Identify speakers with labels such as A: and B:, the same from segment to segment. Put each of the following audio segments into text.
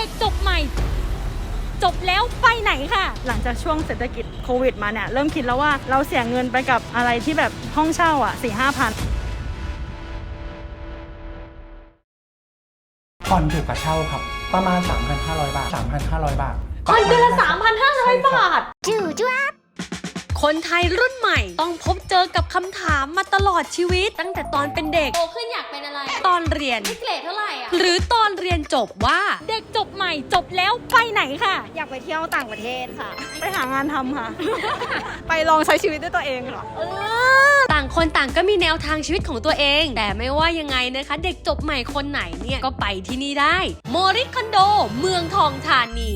A: ด็กจบใหม่จบแล้วไปไหนค่ะ
B: หลังจากช่วงเศรษฐกิจโควิดมาเนี่ยเริ่มคิดแล้วว่าเราเสียเงินไปกับอะไรที่แบบห้องเช่าอ่ะ 4-5 พัน
C: ผ่อนถูกกว่าเช่าครับประมาณ 3,500 บาท 3,500 บาท
A: ผ่อนเดือนละ 3,500 บาท
B: จู่จ้า
A: คนไทยรุ่นใหม่ต้องพบเจอกับคำถามมาตลอดชีวิตตั้งแต่ตอนเป็นเด็ก
D: โตขึ้นอยากเป็นอะไร
A: ตอนเรียน
D: เกรดเท่าไหร่อ่ะ
A: หรือตอนเรียนจบว่าเด็กจบใหม่จบแล้วไปไหนค่ะ
B: อยากไปเที่ยวต่างประเทศค่ะไปหางานทำค่ะ ไปลองใช้ชีวิตด้วยตัวเองค่ะ
A: ต่างคนต่างก็มีแนวทางชีวิตของตัวเองแต่ไม่ว่ายังไงนะคะเด็กจบใหม่คนไหนเนี่ยก็ไปที่นี่ได้โมริคอนโดเมืองทองธานี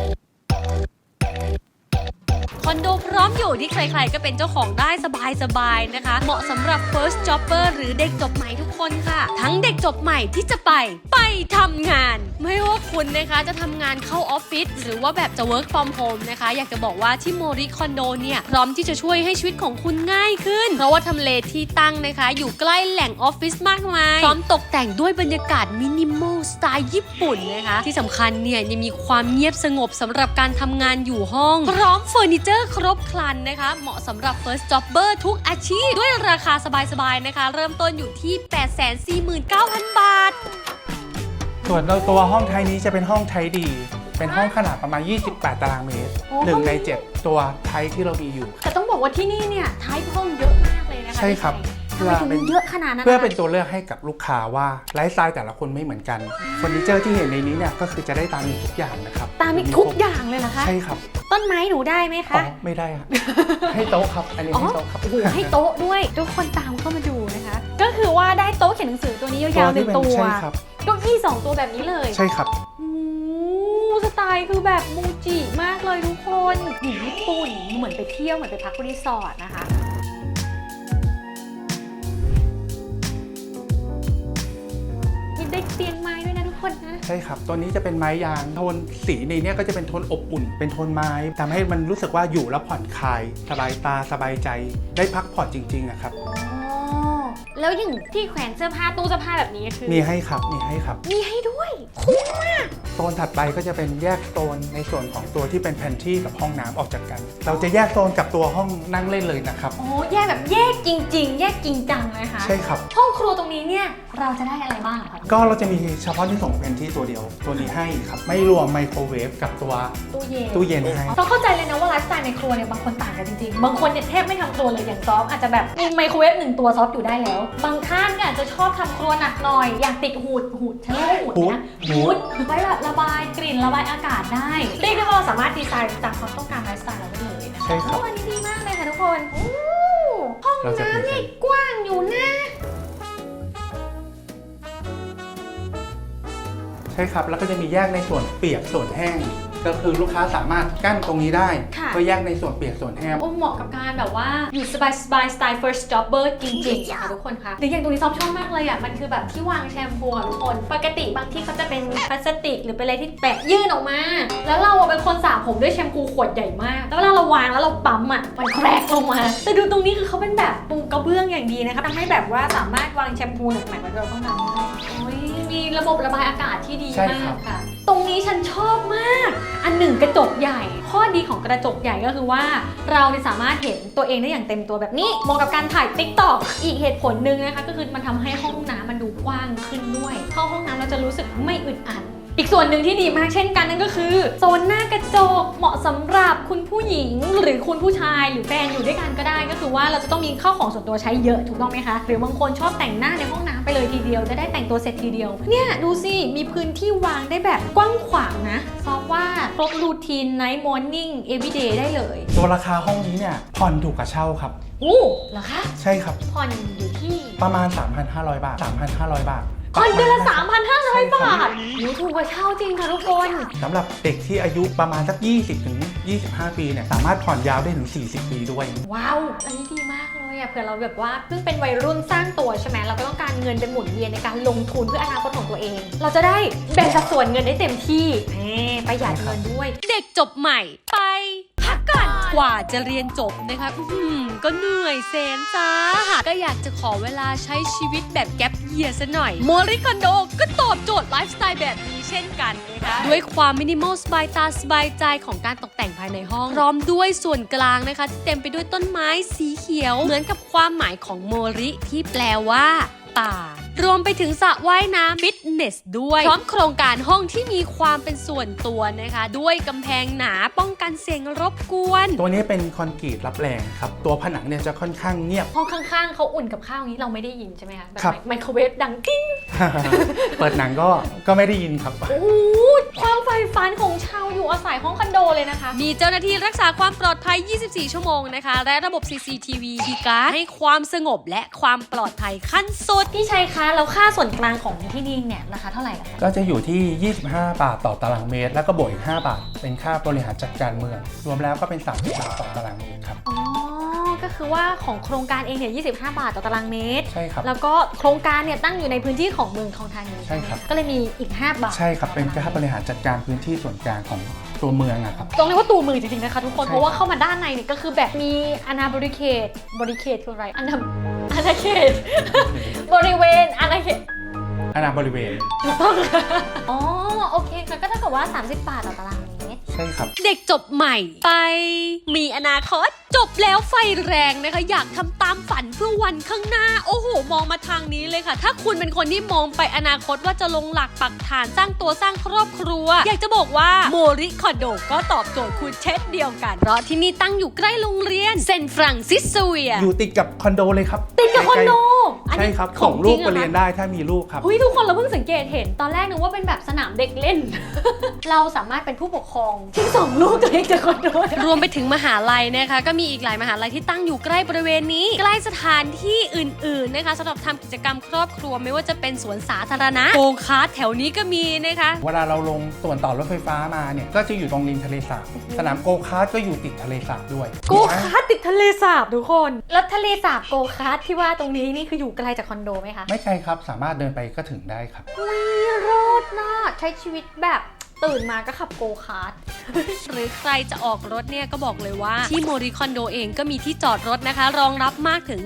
A: คอนโดพร้อมอยู่ที่ใครๆก็เป็นเจ้าของได้สบายๆนะคะเหมาะสำหรับ first jobber หรือเด็กจบใหม่ทุกคนค่ะทั้งเด็กจบใหม่ที่จะไปทำงานไม่ว่าคุณนะคะจะทำงานเข้าออฟฟิศหรือว่าแบบจะ work from home นะคะอยากจะบอกว่าที่โมริคอนโดเนี่ยพร้อมที่จะช่วยให้ชีวิตของคุณง่ายขึ้นเพราะว่าทำเลที่ตั้งนะคะอยู่ใกล้แหล่งออฟฟิศมากมายพร้อมตกแต่งด้วยบรรยากาศมินิมอลสไตล์ญี่ปุ่นนะคะที่สำคัญเนี่ยยังมีความเงียบสงบสำหรับการทำงานอยู่ห้องพร้อมเฟอร์นิเจอร์ครบครันนะคะเหมาะสำหรับ first jobber ทุกอาชีพด้วยราคาสบายๆนะคะเริ่มต้นอยู่ที่ 849,000 บาท
C: ส่วนตัวห้องไทยนี้จะเป็นห้องไทยดี เป็นห้องขนาดประมาณ 28 ตารางเมตร1 ใน 7 ตัวไทยที่เรามีอยู่
A: แต่ต้องบอกว่าที่นี่เนี่ยไทป์ห้องเยอะมากเลยนะคะ
C: ใช่ครับ
A: ทำไมถึงเยอะขนาดนั้น
C: เพื่อเป็นตัวเลือกให้กับลูกค้าว่าไลฟ์สไตล์แต่ละคนไม่เหมือนกันเฟอร์นิเจอร์ที่เห็นในนี้เนี่ยก็คือจะได้ตามทุกอย่างนะครับ
A: ตามทุกอย่างเลยนะคะ
C: ใช่ครับ
A: ต้นไม้หนูได้ไหมคะ
C: ไม่ได้ครับให้โต๊ะครับอันนี้ให้โต๊ะครับ
A: โอ้โหให้โต๊ะด้วยทุกคนตามเข้ามาดูนะคะก็คือว่าได้โต๊ะเขียนหนังสือตัวนี้ยาวๆ1 ตัวเก้าอี้2 ตัวแบบนี้เลย
C: ใช่ครับ
A: สไตล์คือแบบมูจิมากเลยทุกคนอยู่ญี่ปุ่นเหมือนไปเที่ยวเหมือนไปพักรีสอร์ทนะคะมีได้เตียงไม้ด้วยนะทุกคนนะ
C: ใช่ครับตัวนี้จะเป็นไม้ยางโทนสีในนี้ก็จะเป็นโทนอบอุ่นเป็นโทนไม้ทำให้มันรู้สึกว่าอยู่แล้วผ่อนคลายสบายตาสบายใจได้พักผ่อนจริงๆนะครับ
A: แล้วอย่างที่แขวนเสื้อผ้าตู้เสื้อผ้าแบบนี้คือ
C: มีให้ครับมีให้
A: ด้วยคุ้มมาก
C: โซนถัดไปก็จะเป็นแยกโซนในส่วนของตัวที่เป็นแพนทรีกับห้องน้ำออกจากกันเราจะแยกโซนกับตัวห้องนั่งเล่นเลยนะครับ
A: โอ้แยกแบบแยกจริงๆแยกจริงจังเลยค่ะ
C: ใช่ครับ
A: ห้องครัวตรงนี้เนี่ยเราจะได้อะไรบ้างคะ
C: ก็เราจะมีเฉพาะที่ส่งแพนทรีตัวเดียวตัวนี้ให้ครับไม่รวมไมโครเวฟกับตัวตู้เย็นให้
A: เราเข้าใจเลยนะว่าไลฟ์สไตล์ในครัวเนี่ยบางคนต่างกันจริงๆบางคนเนี่ยแทบไม่ทำครัวเลยอย่างซอฟอาจจะแบบมีไมโครเวฟ1 ตัวซอฟอยู่ได้แล้วบางท่านก็อาจจะชอบทำครัวหนักหน่อยอยากติดหูดฉันเรียกว่าหูดนะหูดไว้แบบระบายกลิ่นระบายอากาศได้เรียกได้ว่าเราสามารถดีไซน์ตามความต้องการไลฟ์สไตล์เราได้เลยนะ
C: ใช่ครับ
A: อันนี้ดีมากเลยค่ะทุกคนห้องน้ำนี่กว้างอยู่นะ
C: ใช่ครับแล้วก็จะมีแยกในส่วนเปียกส่วนแห้งก็คือลูกค้าสามารถกั้นตรงนี้ได้เพื่อแยกในส่วนเปียกส่วนแห้ง
A: เหมาะกับการแบบว่าอยู่สบายสไตล์ first jobber จริงๆค่ะทุกคนค่ะหรืออย่างตรงนี้ซอฟชอบมากเลยอ่ะมันคือแบบที่วางแชมพูทุกคนปกติบางที่เขาจะเป็นพลาสติกหรือเป็นอะไรที่แปะยื่นออกมาแล้วเราเป็นคนสระผมด้วยแชมพูขวดใหญ่มากแล้วเวลาเราวางแล้วเราปั๊มอ่ะมันแครกลงมาแต่ดูตรงนี้คือเขาเป็นแบบปูกระเบื้องอย่างดีนะคะทำให้แบบว่าสามารถวางแชมพูหนักๆไว้เราต้องการได้มีระบบระบายอากาศที่ดีมากค่ะตรงนี้ฉันชอบมากอันหนึ่งกระจกใหญ่ข้อดีของกระจกใหญ่ก็คือว่าเราสามารถเห็นตัวเองได้อย่างเต็มตัวแบบนี้เหมาะกับการถ่าย TikTok อีกเหตุผลหนึ่งนะคะก็คือมันทำให้ห้องน้ำมันดูกว้างขึ้นด้วยเข้าห้องน้ำเราจะรู้สึกไม่อึดอัดอีกส่วนหนึ่งที่ดีมากเช่นกันนั่นก็คือโซนหน้ากระจกเหมาะสำหรับคุณผู้หญิงหรือคุณผู้ชายหรือแฟนอยู่ด้วยกันก็ได้ก็คือว่าเราจะต้องมีข้าวของส่วนตัวใช้เยอะถูกต้องไหมคะหรือบางคนชอบแต่งหน้าในห้องน้ำไปเลยทีเดียวจะได้แต่งตัวเสร็จทีเดียวเนี่ยดูสิมีพื้นที่วางได้แบบกว้างขวางนะเพราะว่าครบรูทีน night morning everyday ได้เลย
C: ตัวราคาห้องนี้เนี่ยผ่อนถูกกว่าเช่าครับ
A: เหรอคะ
C: ใช่ครับ
A: ผ่อนอยู่ที่
C: ประมาณ 3,500 บาท 3,500 บาท
A: ผ่อนเดือนละ 3,500 บาทถูกกว่าเช่าจริงค่ะทุกคน
C: สำหรับเด็กที่อายุประมาณสัก 20-25 ปีเนี่ยสามารถผ่อนยาวได้ถึง 40 ปีด้วย
A: ว้าวอันนี้ดีมากเลยอ่ะเผื่อเราแบบว่าเพิ่งเป็นวัยรุ่นสร้างตัวใช่ไหมเราก็ต้องการเงินเป็นหมุนเวียนในการลงทุนเพื่ออนาคตของตัวเองเราจะได้แบ่งสัดส่วนเงินได้เต็มที่ประหยัดเงินด้วยเด็กจบใหม่ไปพักก่อนกว่าจะเรียนจบนะคะก็เหนื่อยแสนสาหัสก็อยากจะขอเวลาใช้ชีวิตแบบแก๊ปเยียซะหน่อยโมริคอนโดก็ตอบโจทย์ไลฟ์สไตล์แบบนี้เช่นกันนะคะด้วยความมินิมอลสบายตาสบายใจของการตกแต่งภายในห้องพร้อมด้วยส่วนกลางนะคะที่เต็มไปด้วยต้นไม้สีเขียวเหมือนกับความหมายของโมริที่แปลว่าป่ารวมไปถึงสระว่ายน้ำฟิตเนสด้วยพร้อมโครงการห้องที่มีความเป็นส่วนตัวนะคะด้วยกำแพงหนาป้องกันเสียงรบกวน
C: ตัวนี้เป็นคอนกรีตรับแรงครับตัวผนังเนี่ยจะค่อนข้างเงียบ
A: ห้องข้างๆเขาอุ่นกับข้าวอย่างนี้เราไม่ได้ยินใช่ไหมคะแบบ
C: ครับ
A: ไมโครเวฟดังกิ้ง
C: เปิดหนังก็ไม่ได้ยินครับ
A: โอ้โหความใฝ่ฝันของชาวอยู่อาศัยห้องคอนโดเลยนะคะ มีเจ้าหน้าที่รักษาความปลอดภัย 24 ชั่วโมงนะคะ และระบบ CCTV คีย์การ์ดให้ความสงบและความปลอดภัยขั้นสุดพี่ชัยคะแล้วค่าส่วนกลางของที่นี่เนี่ยราคาเท่าไหร่ล่ะคะ
C: ก็จะอยู่ที่ 25 บาทต่อตารางเมตร แล้วก็บวกอีก 5 บาท เป็นค่าบริหารจัดการเมือง รวมแล้วก็เป็น 30 บาทต่อตารางเมตรครับ
A: อ๋อ ก็คือว่าของโครงการเองเนี่ย 25 บาทต่อตารางเมตร
C: ใช่ครับ
A: แล้วก็โครงการเนี่ยตั้งอยู่ในพื้นที่ของเมืองทองธานี
C: ใช่ครับ
A: ก็เลยมีอีก 5 บาท
C: ใช่ครับ เป็นค่าบริหารจัดการพื้นที่ส่วนกลางของตัวเมืองอะครับ
A: ต้องเรียกว่าตัวมือจริงๆนะคะทุกคน
C: ใช่
A: เพราะว่าเข้ามาด้านในเนี่ยก็คือแบบมีอาณาบริเขตคืออะไรอาณาเขต บริเวณอาณาเขต
C: อาณาบริเวณ
A: ถูกต้องค่ะอ๋อโอเคค่ะก็เท่ากับว่า 30 บาทต่อตารางเมตร
C: ใช่ครับ
A: เด็กจบใหม่ไปมีอนาคตจบแล้วไฟแรงนะคะอยากทำตามฝันเพื่อวันข้างหน้าโอ้โหมองมาทางนี้เลยค่ะ ถ้าคุณเป็นคนที่มองไปอนาคตว่าจะลงหลักปักฐานสร้างตัวสร้างครอบครัว อยากจะบอกว่าโมริคอนโดก็ตอบโจทย์คุณเช่นเดียวกันเพราะที่นี่ตั้งอยู่ใกล้โรงเรียนเซนต์ฟรังซิสเวีย
C: อยู่ติดกับคอนโดเลยครับ
A: ติดกับคอนโด
C: ใช่ครับ ส่งลูกไปเรียนได้ถ้ามีลูกครับ
A: เฮ้ยทุกคนเราเพิ่งสังเกตเห็นตอนแรกนึกว่าเป็นแบบสนามเด็กเล่น เราสามารถเป็นผู้ปกครองที่ส่งลูกตัวเองจากคอนโดรวมไปถึงมหาลัยนะคะก็มีอีกหลายมหาลัยที่ตั้งอยู่ใกล้บริเวณนี้ใกล้สถานที่อื่นๆนะคะสำหรับทำกิจกรรมครอบครัวไม่ว่าจะเป็นสวนสาธารณะโกคาร์ทแถวนี้ก็มีนะคะ
C: เวลาเราลงส่วนต่อรถไฟฟ้ามาเนี่ย ก็จะอยู่ตรงริมทะเลสาบ สนามโกคาร์ทก็อยู่ติดทะเลสาบด้วย
A: โกคาร์ทติดทะเลสาบทุกคน แล้วทะเลสาบโกคาร์ทที่ว่าตรงนี้นี่คืออยู่ไกลจากคอนโดไหมคะ
C: ไม่ไกลครับ สามารถเดินไปก็ถึงได้ครับ
A: โรดน่าใช้ชีวิตแบบตื่นมาก็ขับโกคาร์ท หรือใครจะออกรถเนี่ยก็บอกเลยว่าที่โมริคอนโดเองก็มีที่จอดรถนะคะรองรับมากถึง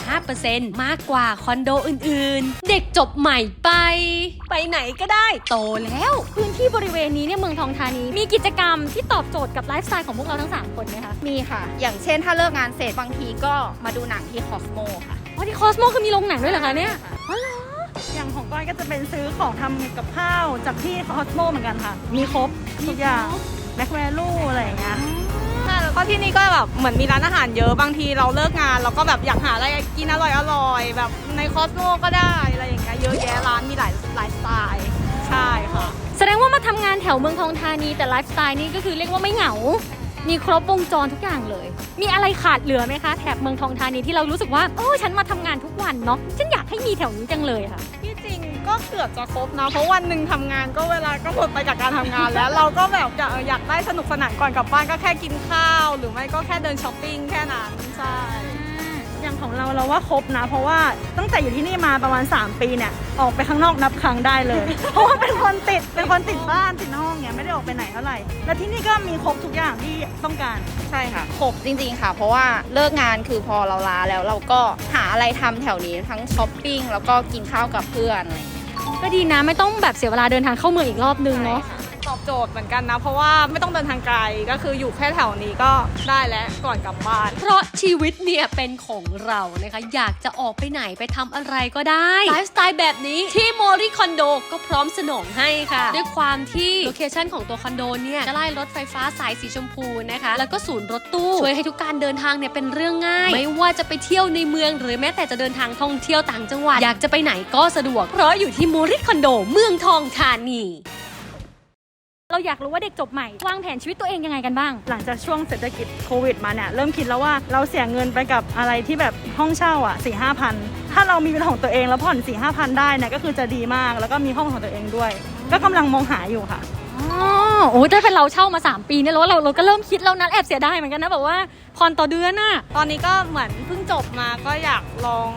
A: 35% มากกว่าคอนโดอื่นๆ เด็กจบใหม่ไปไหนก็ได้โตแล้วพื้นที่บริเวณนี้เนี่ยเมืองทองธานีมีกิจกรรมที่ตอบโจทย์กับไลฟ์สไตล์ของพวกเราทั้ง3คนไหมคะ
D: มีค่ะ อย่างเช่นถ้าเลิกงานเสร็จบางทีก็มาดูหนังที่คอสโมค่ะ
A: อ๋อที่คอสโมคือมีโรงหนังด้วยเหรอคะเนี่ย
B: อย่างของก้อยก็จะเป็นซื้อของทำกับข้าวจากที่คอสโมเหมือนกันค่ะ มีครบทุกอย่างแบ็คแวลูอะไรอย่างเงี้ย
D: ใช่แล้วก็ที่นี่ก็แบบเหมือนมีร้านอาหารเยอะบางทีเราเลิกงานเราก็แบบอยากหาอะไรกินอร่อยๆแบบในคอสโมก็ได้อะไรอย่างเงี้ยเยอะแยะร้านมีหลายสไตล์ใช่ค่ะ
A: แสดงว่ามาทำงานแถวเมืองทองธานีแต่ไลฟ์สไตล์นี่ก็คือเรียกว่าไม่เหงา มีครบวงจรทุกอย่างเลย มีอะไรขาดเหลือไหมคะแถบเมืองทองธานีที่เรารู้สึกว่าฉันมาทำงานทุกวันเนาะฉันอยากให้มีแถวนี้จังเลยค่ะ
D: ที่จริงก็เกือบจะครบนะเพราะวันหนึ่งทำงานก็เวลาก็หมดไปกับการทำงานแล้ว เราก็แบบอยากได้สนุกสนานก่อนกลับบ้านก็แค่กินข้าว หรือไม่ก็แค่เดินช้อปปิ้งแค่นั้นใช่
B: อย่างของเราว่าครบนะ เพราะว่าตั้งแต่อยู่ที่นี่มาประมาณ3 ปีเนี่ยออกไปข้างนอกนับครั้งได้เลย เพราะว่าเป็นคนติดบ้านติดห้องเนี่ยไม่ได้ออกไปไหนเท่าไหร่แล้วที่นี่ก็มีครบทุกอย่างที่ต้องการ
D: ใช่ค่ะครบจริงๆค่ะ เพราะว่าเลิกงานคือพอเราลาแล้วเราก็หาอะไรทำแถวนี้ทั้งช้อปปิ้งแล้วก็กินข้าวกับเพื่อนอะไรอย่างเงี้ย
A: ก็ดีนะไม่ต้องแบบเสียเวลาเดินทางเข้าเมืองอีกรอบนึงเนาะ
D: ตอบโจทย์เหมือนกันนะ เพราะว่าไม่ต้องเดินทางไกลก็คืออยู่แค่แถวนี้ก็ได้แล้วก่อนกลับบ้าน
A: เพราะชีวิตเนี่ยเป็นของเรานะคะอยากจะออกไปไหนไปทำอะไรก็ได้ไลฟ์สไตล์แบบนี้ที่โมริคอนโดก็พร้อมสนองให้ค่ะ ด้วยความที่โลเคชั่นของตัวคอนโดเนี่ยใกล้รถไฟฟ้าสายสีชมพูนะคะแล้วก็ศูนย์รถตู้ช่วยให้ทุกการเดินทางเนี่ยเป็นเรื่องง่าย ไม่ว่าจะไปเที่ยวในเมืองหรือแม้แต่จะเดินทางท่องเที่ยวต่างจังหวัดอยากจะไปไหนก็สะดวกเพราะอยู่ที่โมริคอนโดเมืองทองธานีเราอยากรู้ว่าเด็กจบใหม่วางแผนชีวิตตัวเองยังไงกันบ้าง
B: หลังจากช่วงเศรษฐกิจโควิดมาเนี่ยเริ่มคิดแล้วว่าเราเสียเงินไปกับอะไรที่แบบห้องเช่าอ่ะ 4-5 พันถ้าเรามีเป็นของตัวเองแล้วผ่อน 4-5 พันได้เนี่ยก็คือจะดีมากแล้วก็มีห้องของตัวเองด้วย ก็กำลังมองหาอยู่ค่ะ
A: โอ้ยถ้าเป็นเราเช่ามา 3 ปีเนี่ยเราก็เริ่มคิดแล้วนะแอบเสียดายเหมือนกันนะแบบว่าผ่อนต่อเดือนน่ะ
D: ตอนนี้ก็เหมือนเพิ่งจบมาก็อยากลอง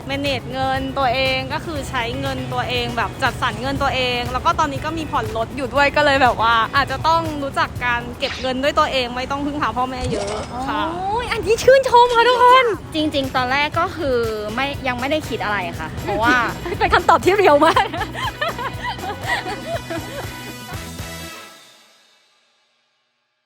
D: manage เงินตัวเองก็คือใช้เงินตัวเองแบบจัดสรรเงินตัวเอง แล้วก็ตอนนี้ก็มีผ่อนรถอยู่ด้วยก็เลยแบบว่าอาจจะต้องรู้จักการเก็บเงินด้วยตัวเองไม่ต้องพึ่งพาพ่อแม่เยอะค่ะ
A: โอ้ยอันนี้ชื่นชมค่ะทุกคน
E: จริงๆ ตอนแรกก็คือยังไม่ได้คิดอะไรค่ะ เพราะว่า
A: เป็นคำตอบที่เรียวมาก